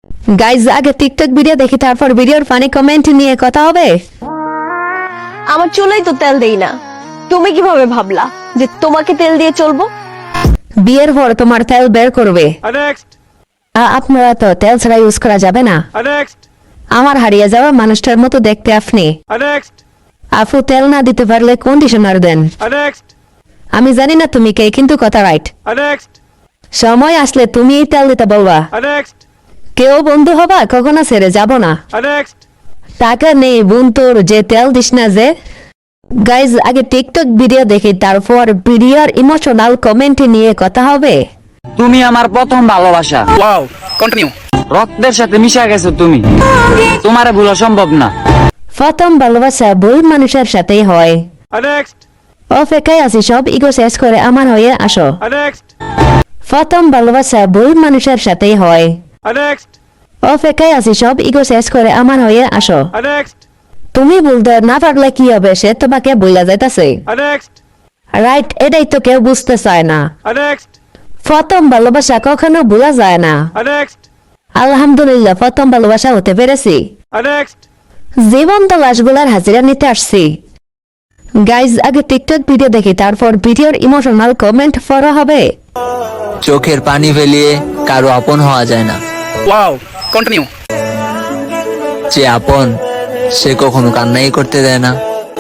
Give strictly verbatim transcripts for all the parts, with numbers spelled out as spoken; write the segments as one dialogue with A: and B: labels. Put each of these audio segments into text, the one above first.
A: Guys আগে TikTok video দেখি, তারপর ভিডিওর ফানি কমেন্ট নিয়ে কথা হবে।
B: আমার চুলেই তো তেল দেই না, তুমি কিভাবে ভাবলা যে তোমাকে তেল দিয়ে চলবো?
A: বিয়ের পর তোমার তেল বের করবে।
C: Next.
A: আ- আপনারা তো তেল ছাড়া ইউজ করা যাবে না।
C: Next.
A: আমার হারিয়ে যাওয়া মানুষটার মতো দেখতে আপনি।
C: Next.
A: আপু তেল না দিতে পারলে কন্ডিশনার দেন।
C: Next.
A: আমি জানি না তুমি কে, কিন্তু কথা রাইট।
C: Next.
A: সময় আসলে তুমি এই তেল দিতে বলবা।
C: Next.
A: কেউ বন্ধু হবা, কখনো ছেড়ে যাব না।
C: Next.
A: টাকা নেই বোন তোর, যে তেল দিস না যে। গাইজ আগে টিকটক ভিডিও দেখি, তারপর ভিডিওর ইমোশনাল কমেন্ট নিয়ে কথা হবে।
D: তুমি আমার প্রথম ভালোবাসা।
C: Wow. Continue.
D: রক্তের সাথে মিশে গেছো তুমি, তোমারে ভুলা সম্ভব না।
A: প্রথম ভালোবাসা ভুল মানুষের সাথেই হয়।
C: Next.
A: অপেক্ষায় আছি সব ইগো শেষ করে আমার হয়ে আসো।
C: Next.
A: প্রথম ভালোবাসা ভুল মানুষের সাথেই হয়।
C: Next.
A: অপেক্ষায় আছি সব ইগো শেষ করে আমার হয়ে আসো।
C: Next.
A: তুমি বলতে না পারলে কি হবে, সে তোমাকে বইলা যাইতাছে।
C: Next.
A: রাইট, এটাই তো কেউ বুঝতে চায় না।
C: Next.
A: প্রথম ভালোবাসা কখনো ভোলা যায় না।
C: Next.
A: আলহামদুলিল্লাহ প্রথম ভালোবাসা হতে পেরেছি।
C: Next.
A: জীবন্ত লাশগুলার হাজিরা নিতে আসছি। গাইজ আগে টিকটক ভিডিও দেখি, তারপর ভিডিওর ইমোশনাল কমেন্ট পড়া হবে।
E: চোখের পানি ফেলিয়ে কারো আপন হওয়া যায় না।
C: Wow. Continue.
E: যে আপন সে কখনো কান্নাই করতে দেয় না।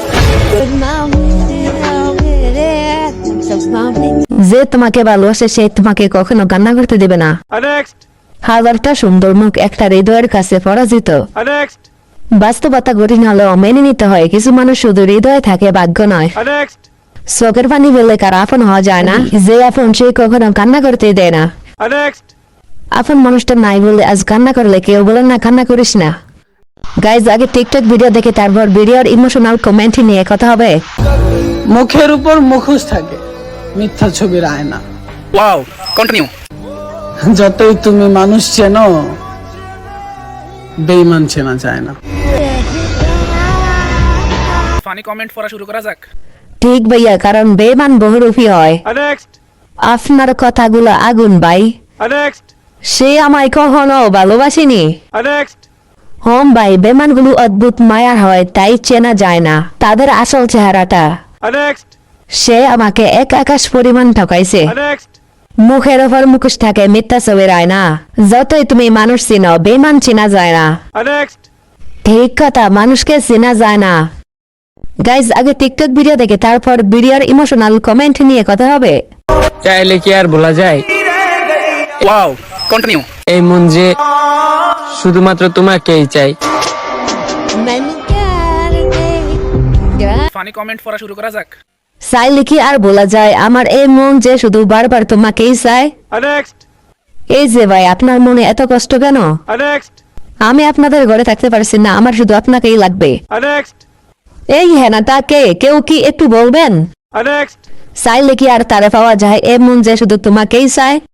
A: যে তোমাকে ভালোবাসে সে তোমাকে কখনো কান্না করতে দেবে না।
C: Next.
A: হাজারটা সুন্দর মুখ একটা হৃদয়ের কাছে পরাজিত।
C: Next.
A: বাস্তবতা কঠিন হলেও মেনে নিতে হয়, কিছু মানুষ শুধু হৃদয়ে থাকে, ভাগ্য নয়।
C: Next.
A: চোখের পানি ফেললে কার আপন হওয়া যায় না। যে আপন সে কখনো কান্না করতে দেয় না।
C: Next.
A: আপন মানুষটা নাই বলে আজ কান্না করলে কেউ বলে না কান্না করিস না। গাইজ আগে টিকটক ভিডিও দেখে, তারপর ভিডিওর ইমোশনাল কমেন্ট নিয়ে কথা হবে।
F: মুখের উপর মুখোশ থাকে, মিথ্যা ছবির আয়না।
C: Wow. Continue.
F: যতই তুমি মানুষ চেনো, বেঈমান চেনা যায় না।
C: ফানি কমেন্ট পড়া শুরু করা যাক।
A: ঠিক ভাইয়া, কারণ বেমান বহুরূপী হয়।
C: Next.
A: আপনার কথাগুলো আগুন ভাই।
C: Next.
A: সে আমায় কখনো ভালোবাসেনি।
C: Next.
A: হোম ভাই, বেমানগুলো অদ্ভুত মায়ার হয়, তাই চেনা যায় না তাদের আসল চেহারাটা।
C: Next.
A: সে আমাকে এক আকাশ পরিমাণ ঠকাইছে।
C: Next.
A: মুখের ওপর মুখোশ থাকে, মিথ্যা ছবির আয়না। যতই তুমি মানুষ চিনো, বেমান চেনা যায় না।
C: Next.
A: ঠিক কথা, মানুষকে চেনা যায় না। গাইজ আগে টিকটক ভিডিও দেখে, তারপর ভিডিওর ইমোশনাল কমেন্ট নিয়ে কথা হবে।
D: চাইলে কি আর ভোলা যায়?
C: Wow. Continue.
D: এই মন যে শুধুমাত্র তোমাকেই চাই।
C: ফানি কমেন্ট পড়া শুরু করা যাক।
A: চাইলে কি আর বলা যায়, আমার এই মন যে শুধু বারবার তোমাকেই চায়।
C: Next.
A: এই যে ভাই, আপনার মনে এত কষ্ট কেন?
C: Next.
A: আমি আপনাদের ঘরে থাকতে পারছি না, আমার শুধু আপনাকেই লাগবে।
C: Next.
A: এই হ্যাঁ না তা কে, কেউ কি একটু বলবেন?
C: Next.
A: চাইলে কি আর তারে পাওয়া যায়, এ মন যে শুধু তোমাকেই চায়?